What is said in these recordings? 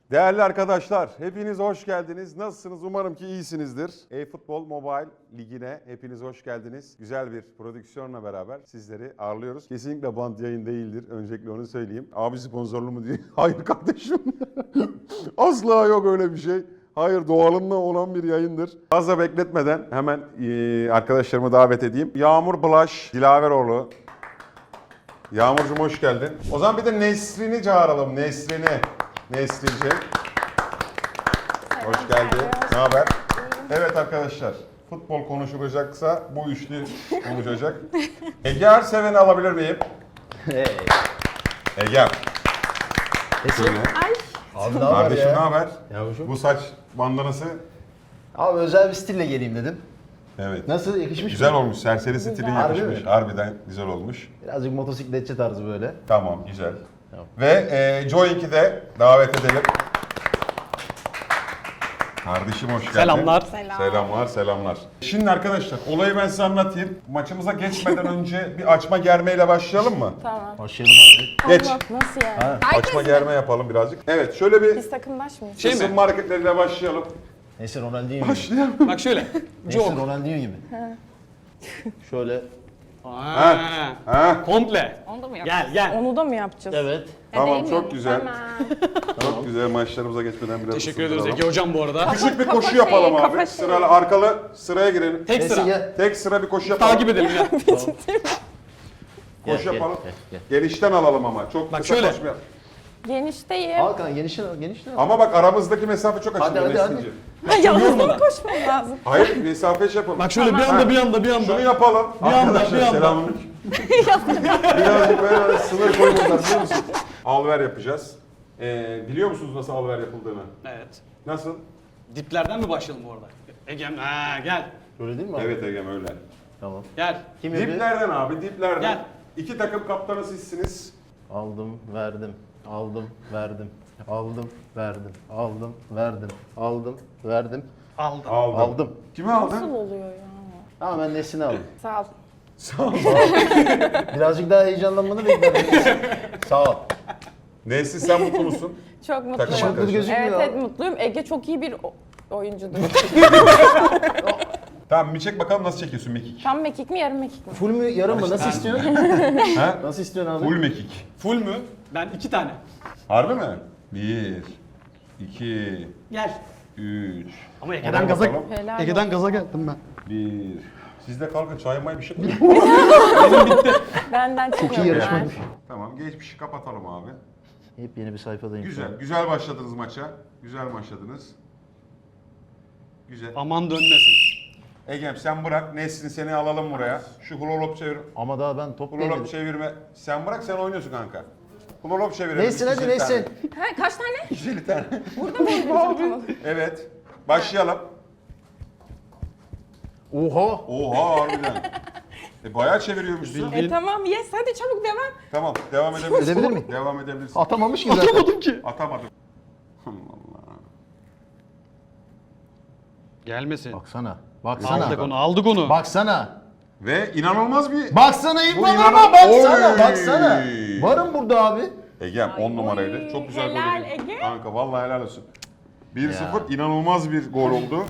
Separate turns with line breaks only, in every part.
Değerli arkadaşlar, hepiniz hoş geldiniz. Nasılsınız? Umarım ki iyisinizdir. eFootball Mobile Ligi'ne hepiniz hoş geldiniz. Güzel bir prodüksiyonla beraber sizleri ağırlıyoruz. Kesinlikle bant yayın değildir. Öncelikle onu söyleyeyim. Abi sponsorlu mu diye. Hayır kardeşim. Asla yok öyle bir şey. Hayır, doğalında olan bir yayındır. Fazla bekletmeden hemen arkadaşlarımı davet edeyim. Yağmur Bulaş, Dilaveroğlu. Yağmurcuğum hoş geldin. O zaman bir de Nesrin'i çağıralım. Nesrin'ciğim. Hoş geldin. Ne haber? Evet arkadaşlar. Futbol konuşulacaksa bu üçlü konuşacak. Ege Erseven'i alabilir miyim?
Hey.
Ege.
Şöyle. Abi ne haber
Kardeşim
ya?
ne haber?
Yavuşum.
Bu saç bandanası.
Abi özel bir stille geleyim dedim.
Evet.
Nasıl, yakışmış
Güzel
mı?
olmuş. Serseri stilin
Harbi
yakışmış.
mi?
Harbiden güzel olmuş.
Birazcık motosikletçi tarzı böyle.
Tamam, güzel.
Tamam.
Ve Joink'i de davet edelim. Kardeşim hoş geldin.
Selamlar.
Selamlar. Şimdi arkadaşlar olayı ben size anlatayım. Maçımıza geçmeden önce bir açma germeyle başlayalım mı?
Tamam.
Başlayalım abi.
Geç.
Allah, nasıl yani?
Ha.
Açma germe yapalım birazcık. Evet şöyle bir
Biz takımdaş mıyız?
Şey mi?
ısınma hareketleriyle başlayalım.
Neyse Ronaldinho gibi.
Başlayalım.
Bak şöyle.
Neyse
Jog.
Ronaldinho gibi. Şöyle.
Ha.
Komple.
Onu da mı yapacağız?
Gel.
Onu da mı yapacağız?
Evet.
Tamam
Değil
çok
mi?
güzel.
Tamam.
Çok güzel maçlarımıza geçmeden biraz
Teşekkür ederiz
ısındıralım.
Ege hocam bu arada.
Küçük bir
Kafa
koşu
şeyi,
yapalım abi.
kafa şeyi.
Sıralı arkalı sıraya girelim.
Tek
Neyse
sıra.
gel.
Tek sıra bir koşu yapalım.
Takip edelim ya.
Koşu
Gel,
yapalım.
gel.
Genişten alalım ama. Çok
Bak
kısa
şöyle.
koşmayalım.
Genişteyim.
Al kanka genişten al, genişten al.
Ama bak aramızdaki mesafe çok açılıyor
Hadi, hadi.
Nesli'ciğim.
Yalnız mı koşmam lazım?
Hayır mesafe şey yapalım.
Bak şöyle bir
Tamam.
anda bir anda.
Şunu yapalım.
Bir anda,
Arkadaşlar,
bir anda.
selamünaleyküm. Birazcık böyle sınır koymuşlar biliyor musun? Alver yapacağız. Biliyor musunuz nasıl alver yapıldığını?
Evet.
Nasıl?
Diplerden mi başlayalım bu arada? Egem gel.
Öyle değil mi abi?
Evet Egem öyle.
Tamam.
Gel.
Kim yapıyor?
Diplerden abi diplerden.
Gel.
İki takım kaptanı sizsiniz.
Aldım, verdim. Aldım, verdim. Aldım, verdim. Aldım, verdim. Aldım, verdim.
Aldım.
Aldım.
Kimi aldın?
Nasıl oluyor ya?
Ama ben Nesini aldım.
Sağ ol.
Sağ ol.
Birazcık daha heyecanlanmanı bekledim. Sağ ol.
Nesli sen mutlu musun?
Çok
Takım
mutluyum.
arkadaşı.
Mutlu gözükmüyor.
Evet mutluyum. Ege çok iyi bir oyuncudur.
Tamam bir çek bakalım nasıl çekiyorsun mekik.
Tam mekik mi yarım mekik mi?
Full mü yarım mı? Nasıl istiyorsun?
Ha?
Nasıl istiyorsun abi?
Full mekik.
Full mü? Ben 2 tane.
Harbi mi? 1, 2,
Gel.
3.
Ama Ege'den gaza
Helal
Ege'den
olsun.
gaza geldim ben.
1. Siz de kalkın çay may bir şey koyun.
Benden
Çok iyi
çıkıyor.
yarışmaymış.
Tamam geçmişi kapatalım abi.
Hep yeni bir sayfadayım. şu an.
Güzel başladınız maça. Güzel başladınız. Güzel.
Aman dönmesin.
Egem sen bırak. Nesrin seni alalım buraya. Şu hulolop çevir.
Ama daha ben top
Hulolop
değmedim.
çevirme. Sen bırak sen oynuyorsun kanka. Hulolop çevirelim.
Neysin hadi
250 tane.
neysin?
Ha, kaç tane?
250 tane.
Burada mı oynayacağım?
Evet. Başlayalım.
Oha!
Oha harbiden. Bayağı çeviriyormuşsun.
Tamam yes hadi çabuk devam.
Tamam devam edebilirsin.
Edebilir miyim?
Devam edebilirsin.
Atamamış ki zaten. Atamadım ki.
Atamadım. Allah Allah.
Gelmesin.
Baksana. Baksana.
Aldık onu.
Baksana.
Ve inanılmaz bir...
Baksana ilk
Bu
bana
inan-
baksana.
Oy!
Baksana. Varım burada abi.
Egem 10 numaraydı. Çok güzel
helal
gol oldu.
Ege.
Kanka vallahi helal olsun. 1-0
Ya.
inanılmaz bir gol oldu.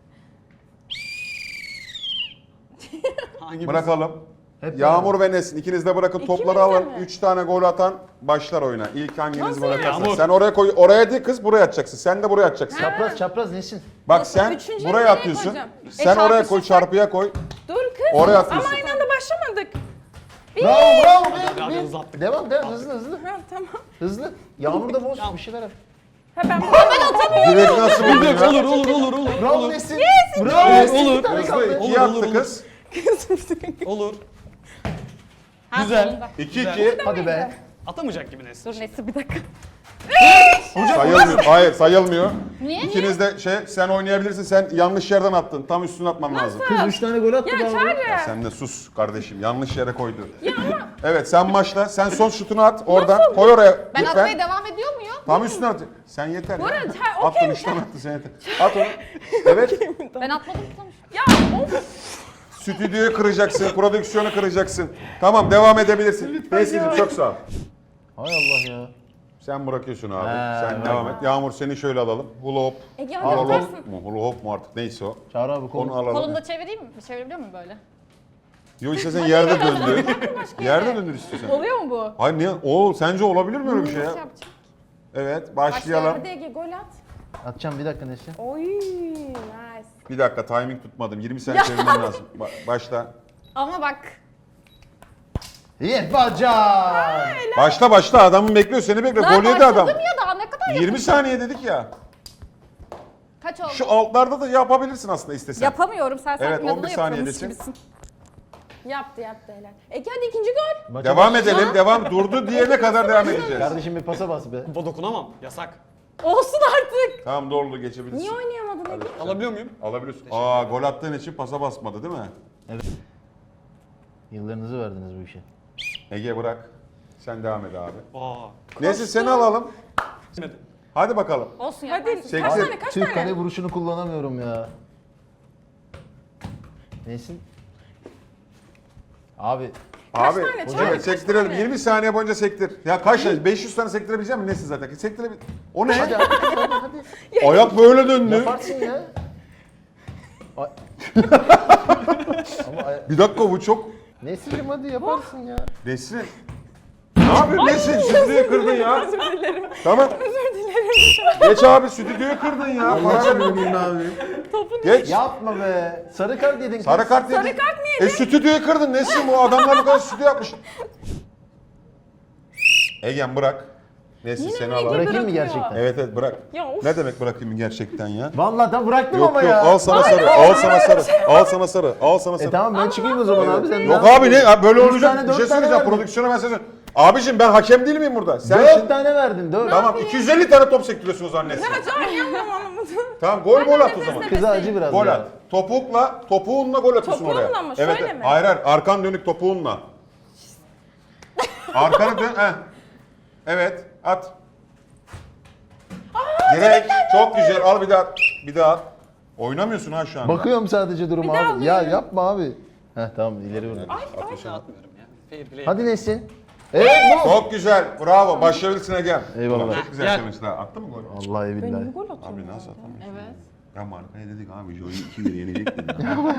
Hangi
Bırakalım.
Hep
Yağmur ve Nesin ikiniz de bırakın topları
İkimiz de
alın.
mi?
3 tane gol atan başlar oyuna. İlk hanginiz
Nasıl
gol
yani?
atarsa.
Yağmur.
Sen oraya koy. Oraya değil kız buraya atacaksın. Sen de buraya atacaksın.
Çapraz çapraz nesin?
Bak
Nasıl?
sen
Üçüncüyü
buraya
nereye
atıyorsun.
koyacağım?
Sen oraya koy
çarpışırsak-
çarpıya koy.
Dur kız.
Oraya
Ama
atıyorsun.
aynı anda başlamadık.
Bravo
Hadi
be.
hızlı attık.
Devam hızlı.
Ha tamam.
Hızlı. Yağmur da boz bir şeyler yap.
Ha ben atamıyorum.
Direkt nasıl buldun ya?
Olur.
Bravo Nesin. Bravo Nesin.
olur.
Bir tane
Hızlı
kaldı.
2'ye
Olur,
attı
olur.
kız.
Olur.
Ha,
Güzel.
sonunda.
2-2.
Hadi be.
Atamayacak gibi Nesli.
Dur neyse bir dakika.
Sayılmıyor. Hayır sayılmıyor.
Niye?
İkiniz de sen oynayabilirsin. Sen yanlış yerden attın. Tam üstüne atman lazım.
Kız 3 tane gol attı
Ya
be abi.
Çağrı.
Sen de sus kardeşim. Yanlış yere koydu. Evet sen başla. Sen son şutunu at oradan. Koy oraya.
Ben
lütfen.
atmaya devam ediyor muyum?
Tam üstüne at. Sen yeter ya.
arada, ha,
Attın
okey
3 tane attın sen yeter. At onu. Evet.
Ben atmadım sonuçta. Ya of.
Stüdyoyu kıracaksın. Prodüksiyonu kıracaksın. Tamam devam edebilirsin. Neyse çok sağ ol.
Hay Allah ya.
Sen bırakıyorsun abi.
He,
Sen
bak.
devam et. Yağmur seni şöyle alalım. Hula hop.
Ege
Al,
hadi
al.
Hula
atarsın.
hop mu? Hula hop mu artık neyse o.
Çağrı abi
Onu
konu.
alalım.
Kolumda çevireyim mi? Çevirebiliyor muyum böyle?
Yo istersen yerde döndür. Yerde döndür istiyorsan.
Oluyor mu bu?
Hayır niye? O sence olabilir mi öyle bir şey ya?
Nasıl yapacağım?
Evet başlayalım.
Hadi Ege gol at.
Atacağım bir dakika Nesrin.
Oy nice.
Bir dakika timing tutmadım. 20 saniye çevirmem lazım. Başla.
Ama bak.
Yapacağım.
Başla adamın bekliyor seni bekliyor.
Daha
Gol yedi adam.
başladım ya daha ne kadar
20 saniye dedik ya.
Kaç oldu?
Şu altlarda da yapabilirsin aslında istesen.
Yapamıyorum sen sanki
Evet,
inadına
11
yapıyormuş
saniyedesin.
gibisin. Yaptı helal. Ege hadi ikinci gol.
Maça
Devam
baş-
edelim. Devam. Durdu diyene kadar devam edeceğiz.
Kardeşim bir pasa bas be.
Topa dokunamam. Yasak.
Olsun artık.
Tamam doğru geçebilirsin.
Niye oynayamadın Ege?
Alabiliyor muyum?
Alabiliyorsun. Aa gol attığın için pasa basmadı değil mi?
Yıllarınızı verdiniz bu işe.
Ege bırak. Sen devam et abi.
Aa.
Neyse seni alalım.
Gitmedi.
Hadi bakalım.
Olsun
Hadi.
yaparsın.
Sektir.
Kaç tane kaç
Türk
tane?
kale vuruşunu kullanamıyorum ya. Nesin? Abi
Abi
tane,
hocam,
Çağrı,
evet,
kaç
sektirelim.
tane?
20 saniye boyunca sektir. Ya kaç tane? 500 tane sektirebilecek misin? Nesin zaten? Sektirebil. O ne?
hadi hadi.
Ayak böyle döndü.
Yaparsın ya. Ay- Ama
Bir dakika bu çok...
Nesin'cim hadi yaparsın ya.
Nesrin. Ne yapıyorsun Nesrin? Stüdyoyu kırdın ya.
Özür dilerim.
Tamam.
Özür dilerim.
Geç abi stüdyoyu kırdın ya. Para ver.
abi.
Geç.
Yapma be. Sarı kart yedin kız.
Sarı kart yedin.
Sarı kart mı yedin?
Stüdyoyu kırdın Nesrin bu adamlar bu kadar stüdyo yapmış. Egen bırak. Nesrin
Yine
seni
mi
alalım.
Ege
Bırakayım mı
bırakıyor?
gerçekten?
Evet evet bırak.
Ya of.
Ne demek bırakayım gerçekten ya?
Vallahi da bıraktım
Yok
ama
yok
ya.
al sana sarı, al sana sarı, al sana sarı, al sana sarı.
Tamam ben çıkayım o zaman abi sen.
Yok abi ne ya böyle
Üç
olmayacak.
tane,
Bir şey
dört tane
söyleyeceğim
verdin.
prodüksiyona ben söyleyeceğim. Abicim ben hakem değil miyim burada? Sen
4
şimdi...
tane verdin 4.
Tamam 250 tane top sektiriyorsun o zaman Nesrin.
Anlamadım.
Tamam gol at o zaman.
Kıza acı biraz
Gol
ya.
at. Topuğunla gol atıyorsun oraya.
Topuğunla mı? Şöyle
evet.
mi?
Hayır hayır arkan dönük topuğunla. Arkanı dön. Heh. Evet at. Direkt çok güzel al bir daha at. Bir daha at. Oynamıyorsun ha şu an.
Bakıyorum sadece duruma
daha
abi. Ya
alıyorum.
yapma abi. Heh tamam ileri vur.
Atmıyorum ya. Fair play.
Hadi Nesin. Evet bu.
Çok güzel. Bravo. Başarılısına gel.
Eyvallah.
Ulan Çok güzel
Gel.
söylemişsin ha. Attın mı gol?
Vallahi billahi.
Gol atıyor.
Abi nasıl atamıyorsun?
Evet.
Ya markaya dedik abi Joy'u 2-1 yenecek dedik.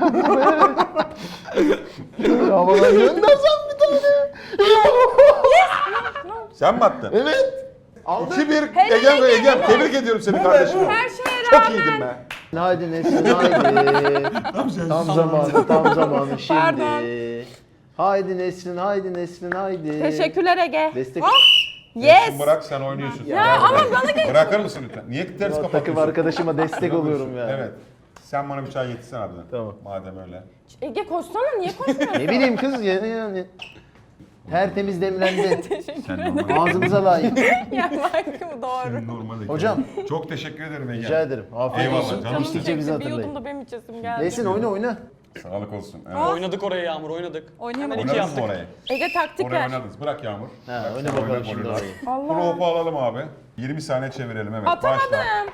Havadan göndersem bir tane.
Sen mi attın?
Evet. Aldım.
2-1 Egem tebrik ediyorum seni kardeşim.
Her şeye
Çok
rağmen.
iyiydin be.
Haydi Nesin haydi. Tam zamanı şimdi.
Pardon.
Haydi Nesrin, haydi Nesrin, haydi.
Teşekkürler Ege.
Destek.
Yes.
Bırak sen oynuyorsun.
Ya
ama bana geç.
Bırakır mısın lütfen? Niye ters
Takım
kapatıyorsun?
arkadaşıma destek oluyorum ya.
Evet. Sen bana bir çay getirsen harbiden.
Tamam.
Madem öyle.
Ege koşsana niye koşmuyorsun?
Ne bileyim kız ya yani. Tertemiz demlendi.
Sen normal.
Ağzınıza layık.
ya bak doğru.
Normal.
Hocam.
Çok teşekkür ederim Ege.
Rica ederim. Afiyet
Eyvallah,
olsun.
canım.
İçtikçe bizi
Bir
hatırlayın.
yudum da benim içesim geldi.
Nesin oyna.
Sağlık olsun. Evet.
Oynadık oraya Yağmur oynadık.
Oynayamadım.
Hemen iki
Oynadınız mı
yaptık.
orayı?
Ege taktik
Oraya
ver.
oynadınız. Bırak Yağmur.
Ha,
Bırak,
oyna
sen
bakalım
oyna
şimdi
golünü.
orayı.
Allah.
Propu alalım abi. 20 saniye çevirelim evet. Başla.
Atamadım.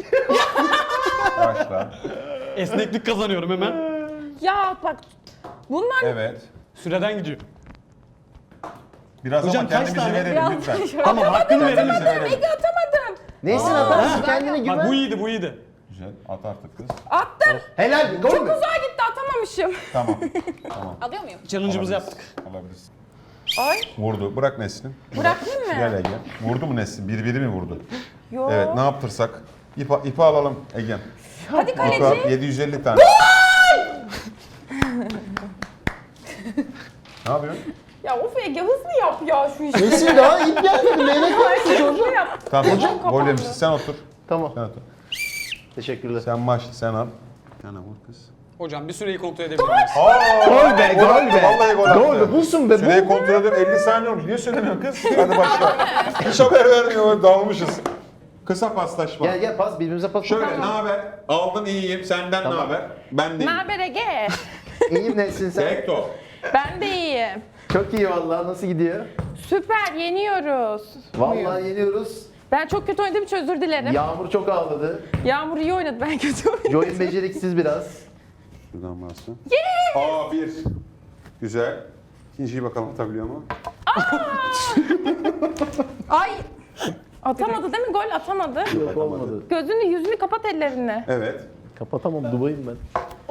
Başla.
Esneklik kazanıyorum hemen.
Ya bak bunlar
Evet.
Süreden gidiyor.
Biraz
Hocam
ama
kaç
kendimizi
tane?
verelim
biraz
lütfen.
Tamam hakkını verelim.
Kendimizi verelim.
Ege atamadım.
Nesin atarsın kendine güven.
Bak bu iyiydi bu iyiydi.
Güzel. At artık kız.
Attım.
Helal. Gol
Çok
mü?
uzağa gitti atamamışım.
Tamam. Tamam.
Alıyor muyum?
Challenge'ımızı
Alabilirsin.
yaptık.
Alabilirsin.
Ay
Vurdu. Bırak Nesrin.
bırakayım mı?
Gel Ege. Vurdu mu Nesrin? Biri mi vurdu?
Yo.
Evet. Ne yaptırsak? İpi alalım Ege.
Hadi
İpi al.
kaleci.
750 tane. Ne yapıyorsun?
Ya of Ege hızlı yap ya şu işi.
Nesin daha ip gelmedi. Leylek yapmışsın
Hızlı
çocuğum.
yap.
Tamam.
Hocam
Gol
kapandı.
yemişsin. Sen otur.
Tamam.
Sen otur.
Teşekkürler.
Sen başla. Sen al. Yana vur kız.
Hocam bir süreyi kontrol edebilir miyiz?
Gol be, gol be.
Vallahi gol attı.
Gol be, bulsun be.
Süreyi
Bul.
kontrol ediyorum. 50 saniye olmuş. Niye söylemiyorsun kız? Hadi başla. Hiç haber vermiyor. Dağılmışız. Kısa paslaşma.
Gel pas birbirimize pas.
Şöyle ne haber? Aldın iyiyim. Senden ne haber? Ben de
Ne
iyiyim.
haber Ege?
İyiyim Nesin sen.
Tek top.
Ben de iyiyim.
Çok iyi vallahi. Nasıl gidiyor?
Süper yeniyoruz.
Vallahi yeniyoruz.
Ben çok kötü oynadığım için özür dilerim.
Yağmur çok ağladı.
Yağmur iyi oynadı ben kötü oynadım.
Joy'un beceriksiz biraz.
Şuradan bastı. Aa bir. Güzel. İkinciyi bakalım atabiliyor mu?
Ay Atamadı değil mi? Gol atamadı.
Yok olmadı.
Gözünü yüzünü kapat ellerini.
Evet.
Kapatamam, Dubai'yim ben.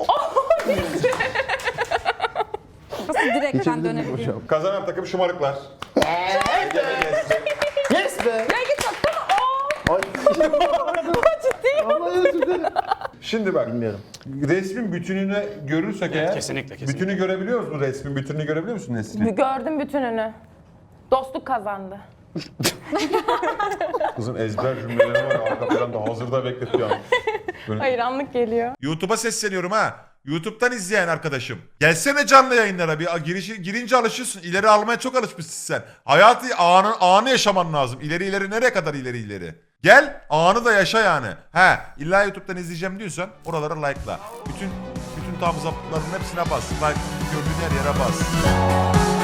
Nasıl direkten
Geçebilir miyim
dönebiliyor?
hocam?
Kazanan takım şımarıklar. Ege ve Nesrin.
Yes be!
Ya git atsana.
Ay. Allah özür dilerim.
Şimdi bak.
Bilmiyorum.
Resmin bütününü görürsek eğer.
kesinlikle.
Bütünü görebiliyor musun resmin? Bütününü görebiliyor musun Nesrin?
Gördüm bütününü. Dostluk kazandı.
Kızın ezber cümleleri var. Arka planda hazırda bekletiyor. Böyle...
Hayır anlık geliyor.
YouTube'a sesleniyorum ha. YouTube'dan izleyen arkadaşım. Gelsene canlı yayınlara bir girince alışıyorsun. İleri almaya çok alışmışsın sen. Hayatı anı yaşaman lazım. İleri nereye kadar ileri. Gel anı da yaşa yani. He illa YouTube'dan izleyeceğim diyorsan oralara like'la. Bütün thumbs up'ların hepsine bas. Like gördüğün her yere bas.